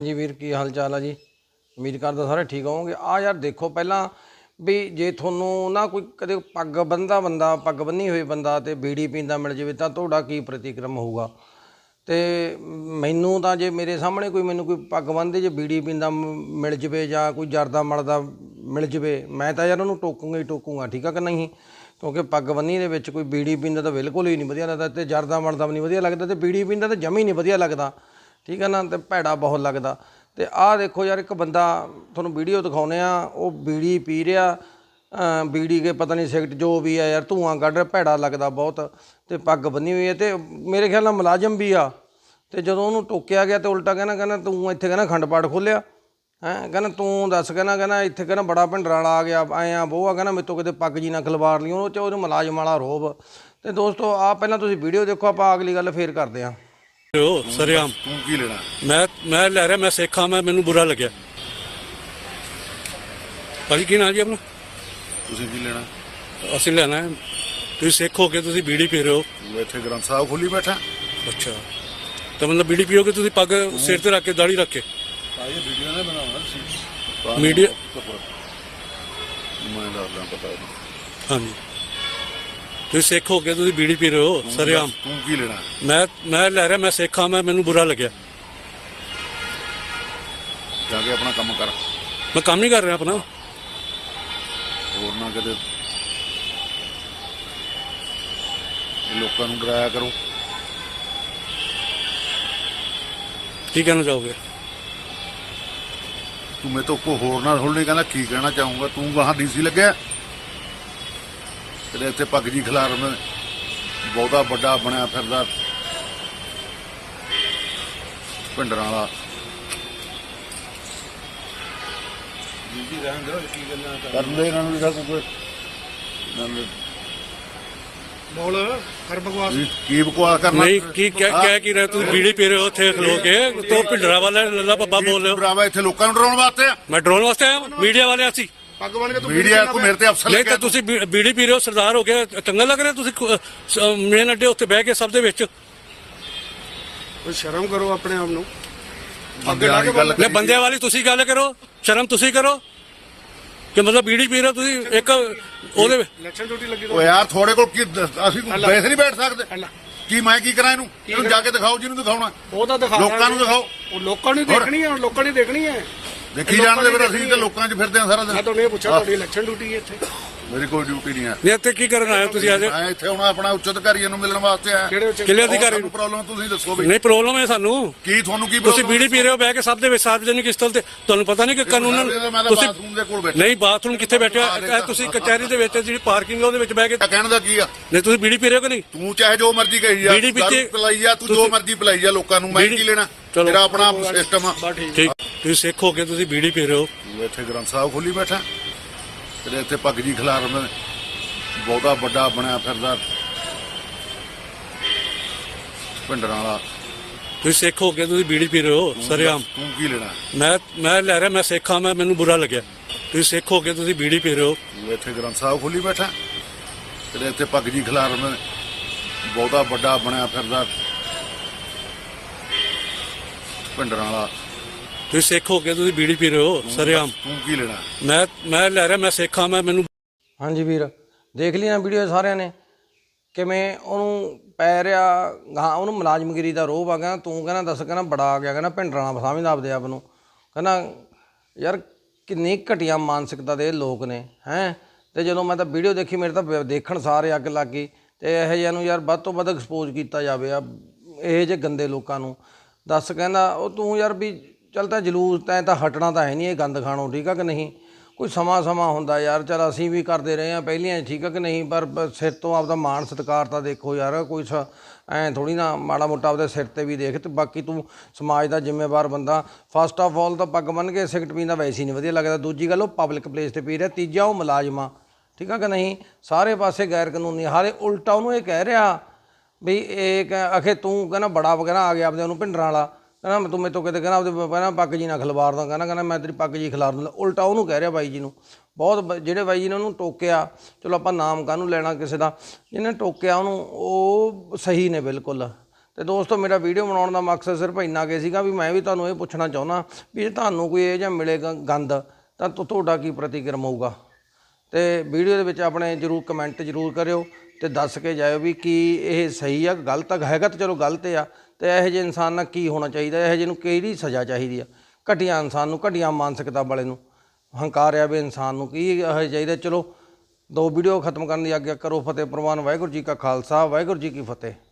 जी वीर की हाल चाल है जी। उम्मीद करदा सारे ठीक होवोगे। आ यार देखो पहला भी जे थोनू ना कोई कदे पग बन्नदा बंदा पग बन्नी हुई बंदा ते बीड़ी पींदा मिल जाए तो तुहाडा की प्रतिक्रम होऊगा। तो मैनू तो जे मेरे सामने कोई मैनू कोई पग बन्नदे जे बीड़ी पींदा मिल जाए जां कोई जरदा मलदा मिल जाए मैं तो यार उन्होंने टोकूंगा ही टोकूंगा, ठीक है कि नहीं। क्योंकि पग बन्नी दे विच कोई बीड़ी पींदा तो बिल्कुल ही नहीं वधिया लगदा ते जरदा मलदा भी नहीं वधिया लगदा ते बीड़ी पींदा तो जमी नहीं वधिया लगदा, ठीक है ना। तो भैड़ा बहुत लगता। तो आह देखो यार एक बंदा थोनू वीडियो दिखाने वो बीड़ी पी रहा, बीड़ी के पता नहीं सिगरट जो भी है यार धुआं कढ़ रहा, भैड़ा लगता बहुत। तो पग बन्नी हुई है तो मेरे ख्याल नाल मुलाजम भी आ। तो जो उन्होंने टोकिया गया तो उल्टा कहना तू इत्थे कहना खंड पाठ खोलिया है, कहना तू दस कहना इत्थे कहना बड़ा भिंडर वाला आ गया आए आ वो आ कहना मेरे तो किते पग जी ना खलवार ली वो मुलाजम वाला रोब। तो दोस्तों आ पहला तुसीं वीडियो देखो, आप अगली गल फिर करते हैं। सरेआम तू की लेना? मैं लै रहा, मैं सिख हाँ, मैं मैनू बुरा लग्या। भाजी की नाम जी अपना? तुसीं की लेना? असं लेना है। तुम सिख हो के तुम बीड़ी पी रहे हो? मैं इत्थे ग्रंथ साहब खोली बैठा। अच्छा, तो मतलब बीड़ी पियोगे तुम पग सिर ते रख के दाढ़ी रख के? वीडियो ने बनाना मीडिया मैं दसदा पता नहीं। हाँ जी, तुम सिख हो के तुम बीड़ी पी रहे हो सरेआम? तू की लेना? मैं लै रहा, मैं सिख हाँ, मैं मैनू बुरा लग्या। जाके अपना काम कर। मैं काम नहीं कर रहा अपना। होर ना किते लोकां नूं डराया करो। की कहना चाहोगे? तू मेरे तो को होर ना थोड़ी कहना की कहना चाहूँगा। तू वहाँ डीसी लग्या तेरे इत्थे पग जी खिलार में बहुता बड़ा बनया फिरदा भिंडर वाला। कर ले इन्हां नूं भी कोई बोल कर बकवास। की बकवास करना? नहीं की कह की रहे तुम बीड़ी पी रहे हो थे खलो के तो भिंडरा वाला लल्ला पब्बा बोल रहे हो? डरावा इत्थे लोकां नूं डराउण वास्ते आ। मैं ड्रोन वास्ते आया मीडिया वाले असी? पग बन के तू मीडिया को मेरे ते अफसर नहीं लग्या तो तुसी बीड़ी पी रहे हो, सरदार हो गया, चंगा लग रहा तुसी मेन अड्डे उत्ते बह के सब दे विच? कोई शर्म करो अपने आप नूं। बंदे वाली गल ले बंदे वाली तुसी गल करो, शर्म तुसी करो कि मतलब बीड़ी पी रहे हो तुसी एक ओदे इलेक्शन ड्यूटी लगी ओ यार थोड़े कोल की ਅਸੀਂ ਬੈਠ ਨਹੀਂ ਬੈਠ ਸਕਦੇ ਅੱਲਾ ਕੀ ਮੈਂ ਕੀ ਕਰਾਂ ਇਹਨੂੰ ਜਾ ਕੇ ਦਿਖਾਓ ਜਿਹਨੂੰ ਦਿਖਾਉਣਾ ਉਹ ਤਾਂ ਦਿਖਾ ਲੋਕਾਂ ਨੂੰ ਦਿਖਾਓ। ਉਹ ਲੋਕਾਂ ਨੂੰ ਦੇਖਣੀ ਹੈ, ਲੋਕਾਂ ਨੇ ਦੇਖਣੀ ਹੈ। ਦੇਖੀ ਜਾਣਦੇ ਫਿਰ ਅਸੀਂ ਤਾਂ ਲੋਕਾਂ 'ਚ ਫਿਰਦੇ ਆ ਸਾਰਾ ਮੈਂ ਦਿਨ। ਤੁਹਾਨੂੰ ਇਹ ਪੁੱਛਿਆ ਤੁਹਾਡੀ ਇਲੈਕਸ਼ਨ ਡਿਊਟੀ ਹੈ ਇੱਥੇ? ਮੇਰੀ ਕੋਈ ਡਿਊਟੀ ਨਹੀਂ ਹੈ। ਨਹੀਂ ਇੱਥੇ ਕੀ ਕਰਨ ਆਏ ਹੋ ਤੁਸੀਂ ਅੱਜ? ਮੈਂ ਇੱਥੇ ਹੁਣ ਆਪਣਾ ਉੱਚ ਅਧਿਕਾਰੀਆਂ ਨੂੰ ਮਿਲਣ ਵਾਸਤੇ ਆਇਆ। ਕਿਹੜੇ ਉੱਚ ਕਿਲੇ ਅਧਿਕਾਰੀ ਤੁਹਾਨੂੰ ਪ੍ਰੋਬਲਮ ਤੁਸੀਂ ਦੱਸੋ ਵੀ ਨਹੀਂ ਪ੍ਰੋਬਲਮ ਹੈ ਸਾਨੂੰ। ਕੀ ਤੁਹਾਨੂੰ ਕੀ ਤੁਸੀਂ ਬੀੜੀ ਪੀ ਰਹੇ ਹੋ ਬਹਿ ਕੇ ਸਭ ਦੇ ਵਿੱਚ ਸਾਰਵਜਨਿਕ ਸਥਲ ਤੇ, ਤੁਹਾਨੂੰ ਪਤਾ ਨਹੀਂ ਕਿ ਕਾਨੂੰਨ ਤੁਸੀਂ ਬਾਥਰੂਮ ਦੇ ਕੋਲ ਬੈਠਾ ਨਹੀਂ ਬਾਥਰੂਮ ਕਿੱਥੇ ਬੈਠੇ ਹੋ? ਤੁਸੀਂ ਕਚਹਿਰੀ ਦੇ ਵਿੱਚ ਜਿਹੜੀ ਪਾਰਕਿੰਗ ਹੈ ਉਹਦੇ ਵਿੱਚ ਬਹਿ ਕੇ ਕਹਿਣ ਦਾ ਕੀ ਆ? ਨਹੀਂ ਤੁਸੀਂ ਬੀੜੀ ਪੀ ਰਹੇ ਹੋ ਕਿ ਨਹੀਂ? ਤੂੰ ਚਾਹੇ ਜੋ ਮਰਜ਼ੀ ਕਹੀ ਜਾ, ਬੀੜੀ ਪੀਤੀ- ਦਾਰੂ ਪਿਲਾਈ ਜਾ, ਤੂੰ ਜੋ ਮਰਜ਼ੀ ਪਿਲਾਈ ਜਾ ਲੋਕਾਂ ਨੂੰ, ਮੈਂ ਕੀ ਲੈਣਾ? ਚਲੋ। ਤੇਰਾ ਆਪਣਾ ਸਿਸਟਮ ਆ। ਠੀਕ, ਤੁਸੀਂ ਸਿੱਖ ਹੋ ਕੇ ਤੁਸੀਂ ਬੀੜੀ ਪੀ ਰਹੇ ਹੋ? ਮੈਂ ਇੱਥੇ ਗ੍ਰੰਥ ਸਾਹਿਬ ਖੋਲੀ ਬੈਠਾ ਤੇਰੇ ਇੱਥੇ ਪੱਗ ਜੀ ਖਿਲਾਰ ਮੈਂ ਬਹੁਤਾ ਵੱਡਾ ਬਣਿਆ ਫਿਰਦਾ भिंडर वाला। ਤੁਸੀਂ ਸਿੱਖ ਹੋ ਕੇ ਤੁਸੀਂ ਬੀੜੀ ਪੀ ਰਹੇ ਹੋ ਸरेआम? तू की लेना? ਮੈਂ ਲੈ ਰਿਹਾ, ਮੈਂ ਸਿੱਖ ਹਾਂ, ਮੈਂ ਮੈਨੂੰ ਬੁਰਾ ਲੱਗਿਆ। ਤੁਸੀਂ ਸਿੱਖ ਹੋ ਕੇ ਤੁਸੀਂ ਬੀੜੀ ਪੀ ਰਹੇ ਹੋ? मैं इत्थे ग्रंथ साहब खोली बैठा तेरे इत्थे पग जी खिलार में बहुता बड़ा बनया फिरदा भिंडर वाला। ਤੁਸੀਂ ਸਿੱਖ ਹੋ ਕੇ ਤੁਸੀਂ ਬੀੜੀ ਪੀ ਰਹੇ ਹੋ ਸरेआम? तू की लेना? ਮੈਂ ਲੈ ਰਿਹਾ, ਮੈਂ ਸਿੱਖ ਹਾਂ, ਮੈਂ ਮੈਨੂੰ हाँ जी वीर देख ली ना वीडियो सारिਆਂ ने ਕਿਵੇਂ ਉਹਨੂੰ ਪੈ ਰਿਹਾ ਗਾਂ ਉਹਨੂੰ ਮੁਲਾਜ਼ਮਗਿਰੀ ਦਾ ਰੋਹ ਆ ਗਿਆ। ਤੂੰ ਕਹਿੰਦਾ ਦੱਸ ਕਹਿੰਦਾ ਬੜਾ ਆ ਗਿਆ, ਕਹਿੰਦਾ ਭਿੰਡਰਾਣਾ ਸਮਝਦਾ ਆਪਦੇ ਆਪ ਨੂੰ, ਕਹਿੰਦਾ ਯਾਰ ਕਿੰਨੀ ਘਟੀਆ ਮਾਨਸਿਕਤਾ ਦੇ ਲੋਕ ਨੇ ਹੈਂ। ਤੇ ਜਦੋਂ ਮੈਂ ਤਾਂ ਵੀਡੀਓ ਦੇਖੀ ਮੇਰੇ ਤਾਂ ਦੇਖਣ ਸਾਰੇ ਅੱਗ ਲੱਗ ਗਈ। ਤੇ ਇਹੋ ਜਿਹਿਆਂ ਨੂੰ ਯਾਰ ਵੱਧ ਤੋਂ ਵੱਧ ਐਕਸਪੋਜ਼ ਕੀਤਾ ਜਾਵੇ ਆ ਇਹੋ ਜਿਹੇ ਗੰਦੇ ਲੋਕਾਂ ਨੂੰ। ਦੱਸ ਕਹਿੰਦਾ ਉਹ ਤੂੰ ਯਾਰ ਵੀ ਚੱਲ ਤਾਂ ਜਲੂਸ ਤੈਂ ਤਾਂ ਹਟਣਾ ਤਾਂ ਹੈ ਨਹੀਂ ਇਹ ਗੰਦ ਖਾਣੋਂ, ਠੀਕ ਆ ਕਿ ਨਹੀਂ। ਕੋਈ ਸਮਾਂ ਹੁੰਦਾ ਯਾਰ, ਚੱਲ ਅਸੀਂ ਵੀ ਕਰਦੇ ਰਹੇ ਹਾਂ ਪਹਿਲੀਆਂ, ਠੀਕ ਆ ਕਿ ਨਹੀਂ। ਪਰ ਸਿਰ ਤੋਂ ਆਪਦਾ ਮਾਣ ਸਤਿਕਾਰ ਤਾਂ ਦੇਖੋ ਯਾਰ, ਕੋਈ ਐਂ ਥੋੜ੍ਹੀ ਨਾ ਮਾੜਾ ਮੋਟਾ ਆਪਦੇ ਸਿਰ 'ਤੇ ਵੀ ਦੇਖ। ਅਤੇ ਬਾਕੀ ਤੂੰ ਸਮਾਜ ਦਾ ਜ਼ਿੰਮੇਵਾਰ ਬੰਦਾ। ਫਸਟ ਆਫ ਆਲ ਤਾਂ ਪੱਗ ਬੰਨ੍ਹ ਕੇ ਸਿਗਰਟ ਪੀਂਦਾ ਵੈਸੇ ਹੀ ਨਹੀਂ ਵਧੀਆ ਲੱਗਦਾ। ਦੂਜੀ ਗੱਲ ਉਹ ਪਬਲਿਕ ਪਲੇਸ 'ਤੇ ਪੀ ਰਿਹਾ। ਤੀਜਾ ਉਹ ਮੁਲਾਜ਼ਮਾਂ, ਠੀਕ ਆ ਕਿ ਨਹੀਂ। ਸਾਰੇ ਪਾਸੇ ਗੈਰ ਕਾਨੂੰਨੀ, ਹਾਲੇ ਉਲਟਾ ਉਹਨੂੰ ਇਹ ਕਹਿ ਰਿਹਾ ਵੀ ਇਹ ਆਖੇ ਤੂੰ ਕਹਿੰਦਾ ਬੜਾ ਵਗੈਰਾ ਆ ਗਿਆ ਆਪਦੇ ਉਹਨੂੰ ਭਿੰਡਰਾਂ ਵਾਲਾ, ਕਹਿੰਦਾ ਤੂੰ ਮੇਰੇ ਤੋਂ ਕਿਤੇ ਕਹਿੰਦਾ ਆਪਦੇ ਕਹਿੰਦਾ ਪੱਗ ਜੀ ਨਾ ਖਿਲਵਾਰਦਾ, ਕਹਿੰਦਾ ਮੈਂ ਤੇਰੀ ਪੱਗ ਜੀ ਖਿਲਾਰ ਦਿੰਦਾ। ਉਲਟਾ ਉਹਨੂੰ ਕਹਿ ਰਿਹਾ ਬਾਈ ਜੀ ਨੂੰ। ਬਹੁਤ ਜਿਹੜੇ ਬਾਈ ਜੀ ਨੇ ਉਹਨੂੰ ਟੋਕਿਆ, ਚਲੋ ਆਪਾਂ ਨਾਮ ਕਾਹਨੂੰ ਲੈਣਾ ਕਿਸੇ ਦਾ, ਜਿਹਨੇ ਟੋਕਿਆ ਉਹਨੂੰ ਉਹ ਸਹੀ ਨੇ ਬਿਲਕੁਲ। ਤੇ ਦੋਸਤੋ ਮੇਰਾ ਵੀਡੀਓ ਬਣਾਉਣ ਦਾ ਮਕਸਦ ਸਿਰਫ ਇੰਨਾ ਕੁ ਸੀਗਾ ਵੀ ਮੈਂ ਵੀ ਤੁਹਾਨੂੰ ਇਹ ਪੁੱਛਣਾ ਚਾਹੁੰਦਾ ਵੀ ਜੇ ਤੁਹਾਨੂੰ ਕੋਈ ਇਹ ਜਿਹਾ ਮਿਲੇਗਾ ਗੰਦ ਤਾਂ ਤੁਹਾਡਾ ਕੀ ਪ੍ਰਤੀਕਰਮ ਹੋਊਗਾ। ਤੇ ਵੀਡੀਓ ਦੇ ਵਿੱਚ ਆਪਣੇ ਜ਼ਰੂਰ ਕਮੈਂਟ ਜ਼ਰੂਰ ਕਰਿਓ ਤੇ ਦੱਸ ਕੇ ਜਾਇਓ ਵੀ ਕੀ ਇਹ ਸਹੀ ਆ, ਗਲਤ ਹੈਗਾ ਤਾਂ ਚਲੋ ਗਲਤ ਆ, ਤੇ ਇਹੋ ਜਿਹੇ ਇਨਸਾਨ ਨਾਲ ਕੀ ਹੋਣਾ ਚਾਹੀਦਾ, ਇਹੋ ਜਿਹੇ ਨੂੰ ਕਿਹੜੀ ਸਜ਼ਾ ਚਾਹੀਦੀ ਆ। ਘਟੀਆ ਇਨਸਾਨ ਨੂੰ, ਘਟੀਆ ਮਾਨਸਿਕਤਾ ਵਾਲੇ ਨੂੰ, ਹੰਕਾਰਿਆ ਵੀ ਇਨਸਾਨ ਨੂੰ ਕੀ ਇਹੋ ਚਾਹੀਦਾ। ਚਲੋ 2 ਵੀਡੀਓ ਖਤਮ ਕਰਨ ਦੀ ਆਗਿਆ ਕਰੋ। ਫਤਿਹ ਪ੍ਰਵਾਨ। ਵਾਹਿਗੁਰੂ ਜੀ ਕਾ ਖਾਲਸਾ, ਵਾਹਿਗੁਰੂ ਜੀ ਕੀ ਫਤਿਹ।